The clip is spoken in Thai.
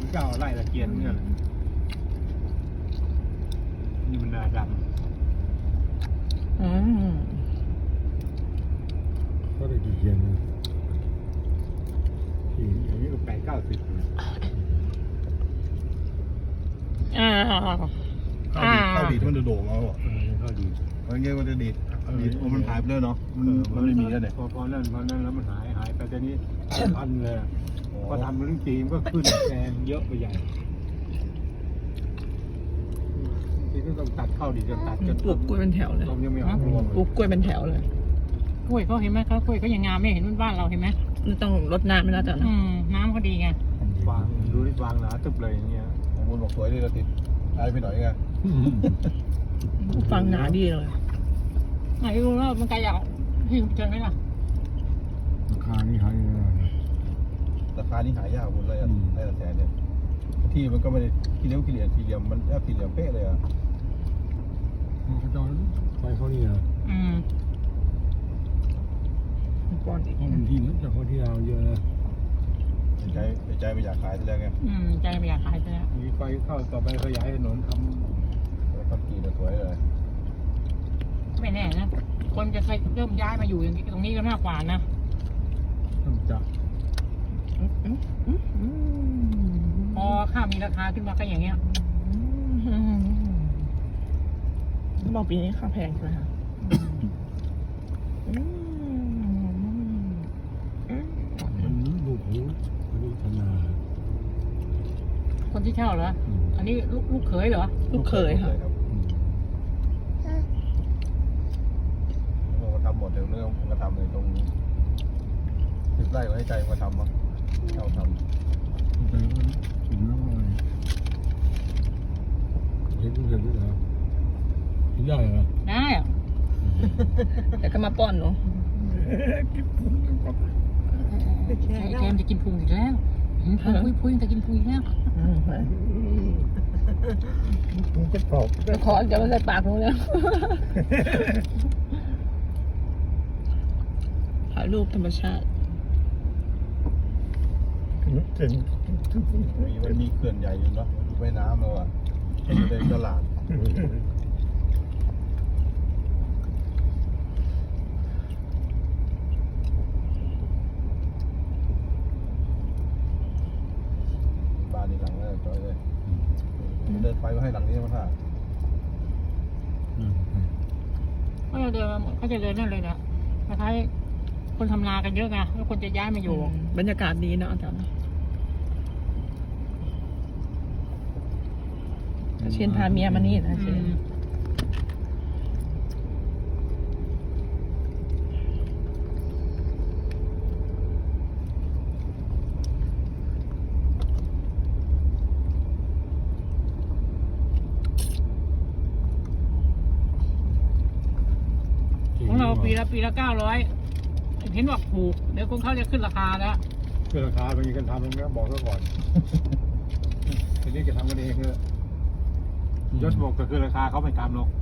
เจ้าไล่ตะเกียนเนี่ยนี่มันนาดำก็ได้กี่เกียนนะอย่างนี้ก็8-90 ข้าวดีดมันจะโด่งเอาอ่ะเข้าดีมันเงี้ยมันจะดีดมันหายไปแล้วเนาะมันไม่มีแล้วเนี่ยพอนั่นแล้วมันหายไปแต่นี้พันเลยพอทำเรื่องจีนก็ขึ้นแพงเยอะไปใหญ่ทีก็ต้องตัดเข้าดีจนตัดจนปลูกกล้วยเป็นแถวเลยต้มยังไม่ออกรวมปลูกกล้วยเป็นแถวเลยกล้วยเขาเห็นไหมเขากล้วยเขายังงามไม่เห็นบ้านเราเห็นไหมนี่ต้องรดน้ำไม่น่าจะนะน้ำเขาดีไงวางดูที่วางหนาตึบเลยอย่างเงี้ยของบุญบอกสวยดีเราติดอะไรไปหน่อยไงฟังหนาดีเลยไหนรู้ว่ามันไกลอยากที่เจอไหมล่ะราคานี่หายเลยนะราคานี่หายากหมดเลยอ่ะได้ละแสนเนี่ยที่มันก็ไม่ได้ขี้เหลี่ยมสี่เหลี่ยมมันแอบสี่เหลี่ยมเป๊ะเลยอ่ะเขาจะไปเขานี่เหรอป้อนอีกบางทีมันจะเขาที่เราเยอะนะใจไม่อยากขายทีแรกไงใจไม่อยากขายเลยมีไฟเข้าต่อไปขยายถนนททำกีนสวยเลยไม่แน่นะคนจะเคยเริ่มย้ายมาอยู่อย่างตรงนี้ก็มากกว่านะต้องจับพอข้าวมีราคาขึ้นมาก็อย่างเงี้ยบอกปีนี้ข้าวแพงใช่ไหมคะมันลูกหูมันลูกธนาคนที่เช่าเหรออันนี้ลูกเขยเหรอลูกเคยค่ะเราทำหมดเรื่องผมก็ทำเลยตรง10 ไร่ก็ให้ใจมาทำมั้งเราทำแต่ว่าถึงแล้วอะไรเห็นด้วยเหรอได้เหรอได้อะแต่ก็มาป้อนเนาะแกมจะกินพุงอีกแล้วพุงจะกินพุงอีกแล้วำก็ตอบขอจะมาใส่ปากผมแล้วถ่ายรูปธรรมชาติมันมีเขื่อนใหญ่อยู่เนาะไว้น้ำเราอ่ะในตลาดบ้านในหลังเลยจอยเลยเดินไปก็ให้หลังนี้มาถ่ายเขาจะเดินนั่นเลยนะคล้ายๆคนทำนากันเยอะไงแล้วคนจะย้ายมาอยู่บรรยากาศดีเนาะอาจารย์เชียนพาเมียมานี่นะเชียนของเราปีละ900เห็นว่าถูกเดี๋ยวคงเขาจะขึ้นราคาแล้วคือราคาเป็นยังไงกันทำมันก็บอกซะก่อนทีนี้จะทำกันเองเลยยศบอกก็คือราคาเขาไม่ตามหรอก